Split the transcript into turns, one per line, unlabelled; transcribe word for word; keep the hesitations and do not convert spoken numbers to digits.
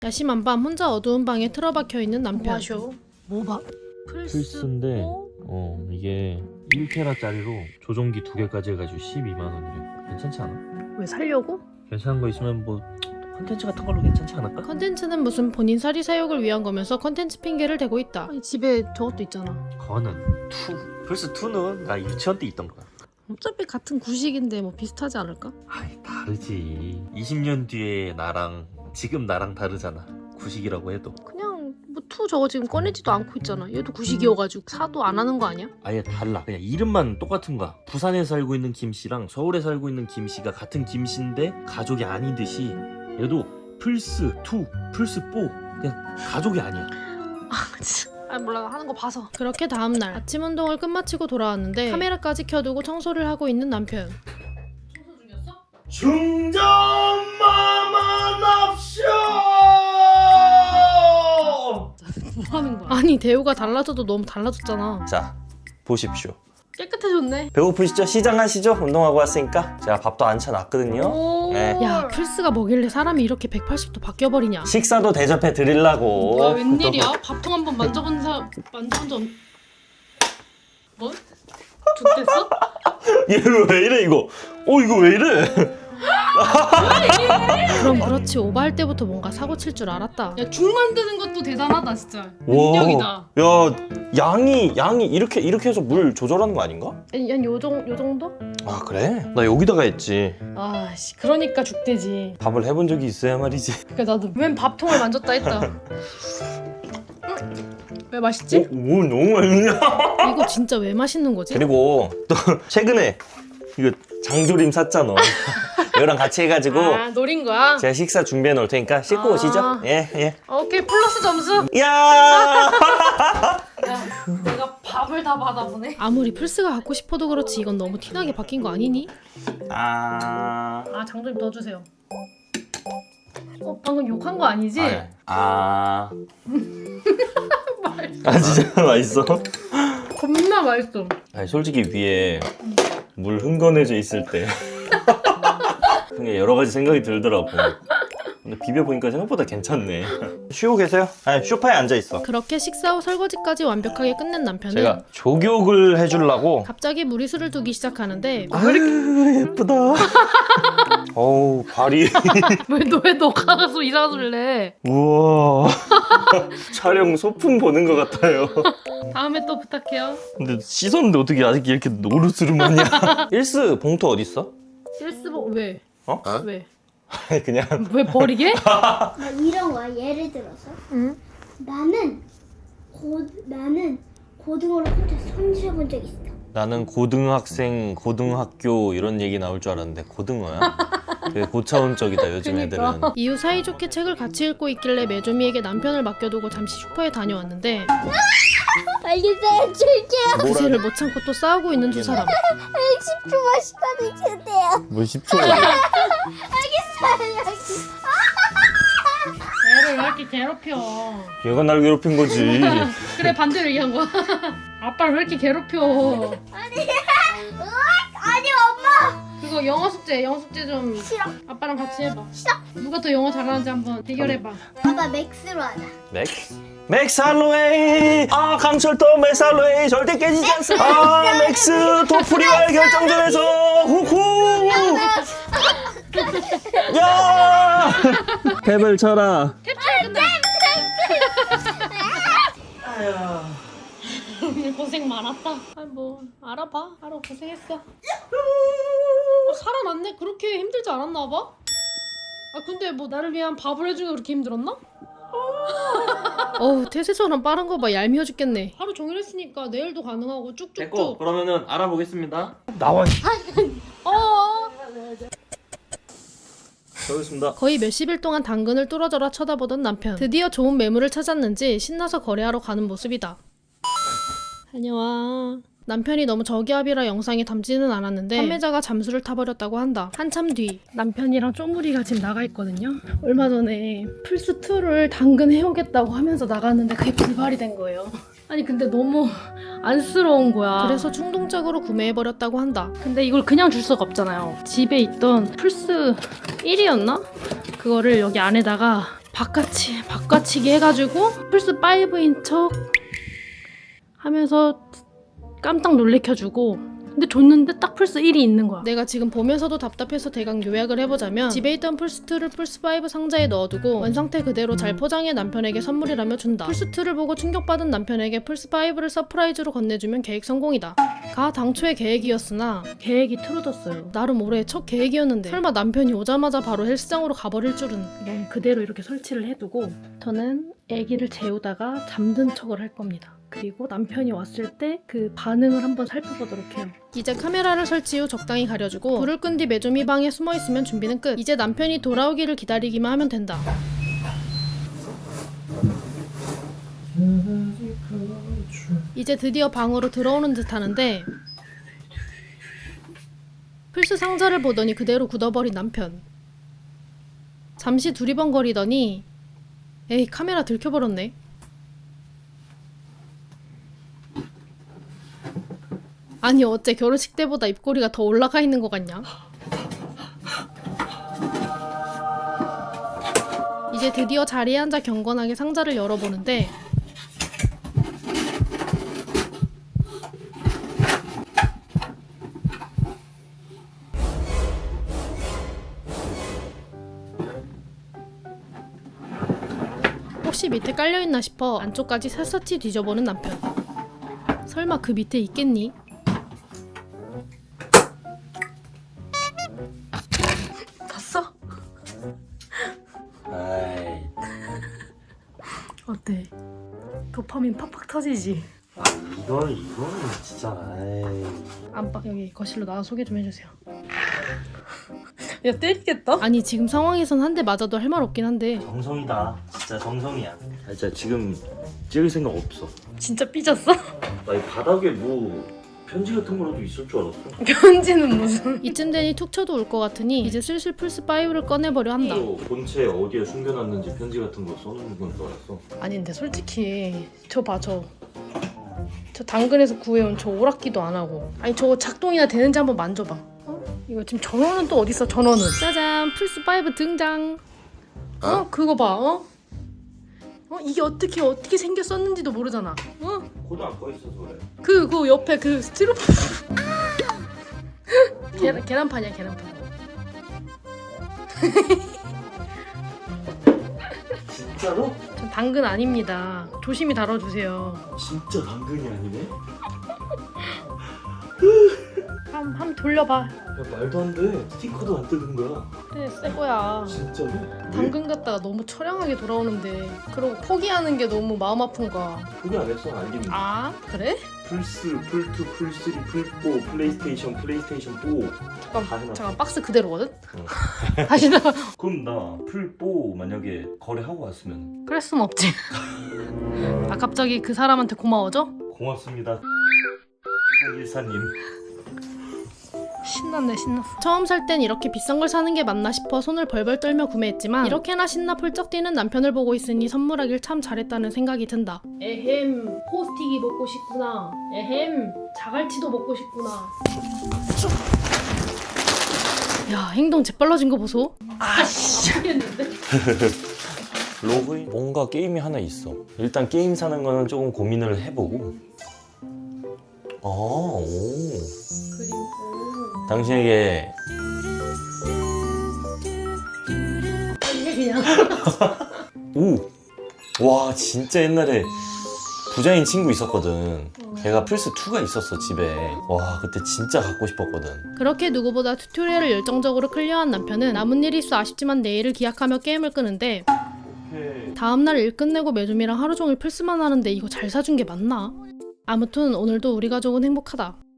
야심한 밤 혼자 어두운 방에 틀어박혀 있는 남편.
마셔. 뭐 봐?
플스인데 어 이게 일 테라짜리로 조종기 두 개까지 해가지고 십이만 원이래. 괜찮지 않아?
왜 살려고?
괜찮은 거 있으면 뭐 컨텐츠 같은 걸로 괜찮지 않을까?
컨텐츠는 무슨 본인 사리 사욕을 위한 거면서 컨텐츠 핑계를 대고 있다.
아니 집에 저것도 있잖아.
그거는 투 플스 투는 나 유치원 때 있던 거야.
어차피 같은 구식인데 뭐 비슷하지 않을까?
아이 다르지. 이십 년 뒤에 나랑 지금 나랑 다르잖아. 구식이라고 해도
그냥 뭐 투 저거 지금 꺼내지도 않고 있잖아. 얘도 구식이어가지고 사도 안 하는 거 아니야?
아예 달라. 그냥 이름만 똑같은 거야. 부산에 살고 있는 김씨랑 서울에 살고 있는 김씨가 같은 김씨인데 가족이 아니듯이 얘도 플스 투, 플스 포 그냥 가족이 아니야.
아 진짜. 아 몰라 하는 거 봐서.
그렇게 다음날 아침 운동을 끝마치고 돌아왔는데 카메라까지 켜두고 청소를 하고 있는 남편.
충전마마 납쇼!
뭐 하는 거야?
아니 대우가 달라져도 너무 달라졌잖아.
자, 보십시오.
깨끗해졌네.
배고프시죠? 시장하시죠? 운동하고 왔으니까. 제가 밥도 안 차놨거든요.
오.
네.
야 플스가 뭐길래 사람이 이렇게 백팔십 도 바뀌어버리냐.
식사도 대접해 드리려고.
뭐야 웬일이야? 밥통 한번 만져본 사 만져본 적 뭐? 죽겠어?
얘는 왜 이래 이거? 어 이거 왜 이래?
그럼 그렇지 오바할 때부터 뭔가 사고 칠 줄 알았다.
야 죽 만드는 것도 대단하다 진짜. 능력이다.
야 양이 양이 이렇게 이렇게 해서 물 조절하는 거 아닌가?
한요 정, 요 정도?
아 그래? 나 여기다가 했지.
아씨 그러니까 죽대지.
밥을 해본 적이 있어야 말이지.
그러니까 나도 웬 밥통을 만졌다 했다. 응? 왜 맛있지?
오, 오 너무 맛있냐?
이거 진짜 왜 맛있는 거지?
그리고 또 최근에 이거 장조림 샀잖아. 이거랑 같이 해가지고
아 노린 거야?
제가 식사 준비해 놓을 테니까 씻고
아.
오시죠. 예 예.
오케이 플러스 점수.
야.
야 내가 밥을 다 받아보네.
아무리 플스가 갖고 싶어도 그렇지 이건 너무 티나게 바뀐 거 아니니?
아.
아 장조림 넣어주세요. 어 방금 욕한 거 아니지?
아. 아. 아 진짜 맛있어?
겁나 맛있어.
아니 솔직히 위에 물 흥건해져 있을 때 그게 여러 가지 생각이 들더라고. 근데 비벼보니까 생각보다 괜찮네. 쉬고 계세요? 아니 소파에 앉아 있어.
그렇게 식사 후 설거지까지 완벽하게 끝낸 남편은
제가 조교육을 해주려고.
갑자기 무리수를 두기 시작하는데
아유 예쁘다. 어우 발이.
왜너왜 너가 가서 이상한 소리를 해?
우와. 촬영 소품 보는 것 같아요.
다음에 또 부탁해요.
근데 씻었는데 어떻게 아직 이렇게 노르스름하냐? 일스 봉투 어딨어?
일스보 왜?
어?
왜?
아니 그냥
왜 버리게?
막 이런 거야. 예를 들어서
응?
나는 고 나는 고등어를 혼자 손질해 본 적 있어.
나는 고등학생, 고등학교 이런 얘기 나올 줄 알았는데 고등어야? 되게 고차원적이다 요즘
그러니까.
애들은.
이후 사이좋게 책을 같이 읽고 있길래 메조미에게 남편을 맡겨두고 잠시 슈퍼에 다녀왔는데
알겠어요. 줄게요.
그새를 못 참고 또 싸우고 있는 두 사람.
십 초만 시간을 주세요.
뭐 십 초?
알겠어요.
애를 왜 이렇게 괴롭혀?
얘가 날 괴롭힌 거지.
그래 반대로 얘기한 거야. 아빠를 왜 이렇게 괴롭혀?
아니 엄마.
그거 영어 숙제, 영어 숙제 좀
싫어.
아빠랑 같이 해봐. 싫어. 누가 더 영어 잘하는지 한번 대결해봐.
아빠 맥스로 하자.
맥스? 맥스 할로웨이! 아 강철도 맥스 할로웨이 절대 깨지지 않습니다. 아 맥스 도프리와의 결정전에서 후후! 야! 탭을 쳐라.
오늘 고생 많았다. 아 뭐 알아봐. 알아 고생했어. 어, 살아났네. 그렇게 힘들지 않았나 봐. 아 근데 뭐 나를 위한 밥을 해주기가 그렇게 힘들었나?
어우 태세처럼 빠른 거 봐 얄미워 죽겠네.
하루 종일 했으니까 내일도 가능하고
됐고
쭉쭉쭉.
그러면은 알아보겠습니다.
나와.
어.
수고하셨습니다.
거의 몇십 일 동안 당근을 뚫어져라 쳐다보던 남편. 드디어 좋은 매물을 찾았는지 신나서 거래하러 가는 모습이다. 다녀와. 남편이 너무 저기압이라 영상에 담지는 않았는데 판매자가 잠수를 타버렸다고 한다. 한참 뒤 남편이랑 쪼무리가 지금 나가 있거든요. 얼마 전에 플스이를 당근 해오겠다고 하면서 나갔는데 그게 불발이 된 거예요. 아니 근데 너무 안쓰러운 거야. 그래서 충동적으로 구매해버렸다고 한다.
근데 이걸 그냥 줄 수가 없잖아요. 집에 있던 플스 일이었나? 그거를 여기 안에다가
바꿔치 바꿔치기 해가지고 플스 파이브인 척 하면서 깜짝 놀래켜주고, 근데 줬는데 딱 플스 일이 있는 거야. 내가 지금 보면서도 답답해서 대강 요약을 해보자면, 집에 있던 플스이를 플스오 상자에 넣어두고 원상태 그대로 잘 포장해 남편에게 선물이라며 준다. 플스이를 보고 충격받은 남편에게 플스오를 서프라이즈로 건네주면 계획 성공이다. 가 당초의 계획이었으나 계획이 틀어졌어요. 나름 올해 첫 계획이었는데 설마 남편이 오자마자 바로 헬스장으로 가버릴 줄은. 이건 그대로 이렇게 설치를 해두고 저는 아기를 재우다가 잠든 척을 할 겁니다. 그리고 남편이 왔을 때 그 반응을 한번 살펴보도록 해요. 이제 카메라를 설치 후 적당히 가려주고 불을 끈 뒤 메조미 방에 숨어있으면 준비는 끝. 이제 남편이 돌아오기를 기다리기만 하면 된다. 이제 드디어 방으로 들어오는 듯 하는데 플스 상자를 보더니 그대로 굳어버린 남편. 잠시 두리번거리더니 에이, 카메라 들켜버렸네. 아니 어째 결혼식 때보다 입꼬리가 더 올라가 있는 것 같냐? 이제 드디어 자리에 앉아 경건하게 상자를 열어보는데 혹시 밑에 깔려있나 싶어 안쪽까지 샅샅이 뒤져보는 남편. 설마 그 밑에 있겠니? 봤어?
아이,
어때? 도파민 팍팍 터지지?
아, 이건 이거는 진짜. 아이.
안방 여기 거실로 나와 소개 좀 해주세요.
야 때리겠다.
아니 지금 상황에선 한 대 맞아도 할 말 없긴 한데
정성이다. 진짜 정성이야. 아, 진짜 지금 찍을 생각 없어.
진짜 삐졌어?
나 이 바닥에 뭐 편지 같은 거라도 있을 줄 알았어.
편지는 무슨?
이쯤 되니 툭 쳐도 올 것 같으니 이제 슬슬 플스오를 꺼내버려 한다.
또 본체 어디에 숨겨놨는지 편지 같은 거 써놓는 건 줄 알았어.
아니 근데 솔직히 저 봐 저. 저 당근에서 구해온 저 오락기도 안 하고. 아니 저거 작동이나 되는지 한번 만져봐. 어? 이거 지금 전원은 또 어딨어 전원은?
짜잔, 플스오 등장.
어? 그거 봐 어? 어? 이게 어떻게 어떻게 생겼었는지도 모르잖아. 어?
코드 안 꺼있어서 그래.
그, 그 옆에 그 스티로폼 계란, 계란판이야 계란판.
진짜로?
전 당근 아닙니다. 조심히 다뤄주세요.
진짜 당근이 아니네?
한, 한 돌려봐.
야, 말도 안 돼. 스티커도 안 뜯은 거야.
그래 새 거야.
진짜로?
당근 갖다가 너무 처량하게 돌아오는데 그러고 포기하는 게 너무 마음 아픈 거야.
포기 안 했어. 알긴.
아 그래?
플스, 풀투, 풀쓰리, 풀포, 플레이스테이션, 플레이스테이션 오. 다
잠깐
해놨어.
잠깐 박스 그대로거든?
응.
다시 나
그럼 나 풀포 만약에 거래하고 왔으면
그럴 순 없지. 아 갑자기 그 사람한테 고마워져?
고맙습니다. 이공일사님.
신났네 신났어.
처음 살 땐 이렇게 비싼 걸 사는 게 맞나 싶어 손을 벌벌 떨며 구매했지만 이렇게나 신나 펄쩍 뛰는 남편을 보고 있으니 선물하길 참 잘했다는 생각이 든다. 에헴, 포스틱이 먹고 싶구나. 에헴, 자갈치도 먹고 싶구나. 야, 행동 재빨라진 거 보소.
아씨 모르겠는데.
로그인? 뭔가 게임이 하나 있어. 일단 게임 사는 거는 조금 고민을 해보고. 아, 오.
그리고
당신에게
이게 그냥
오! 와 진짜 옛날에 부자인 친구 있었거든. 걔가 플스이가 있었어 집에. 와 그때 진짜 갖고 싶었거든.
그렇게 누구보다 튜토리얼을 열정적으로 클리어한 남편은 남은 일이 있어 아쉽지만 내일을 기약하며 게임을 끄는데 다음날 일 끝내고 메조미랑 하루 종일 플스만 하는데 이거 잘 사준 게 맞나? 아무튼 오늘도 우리 가족은 행복하다.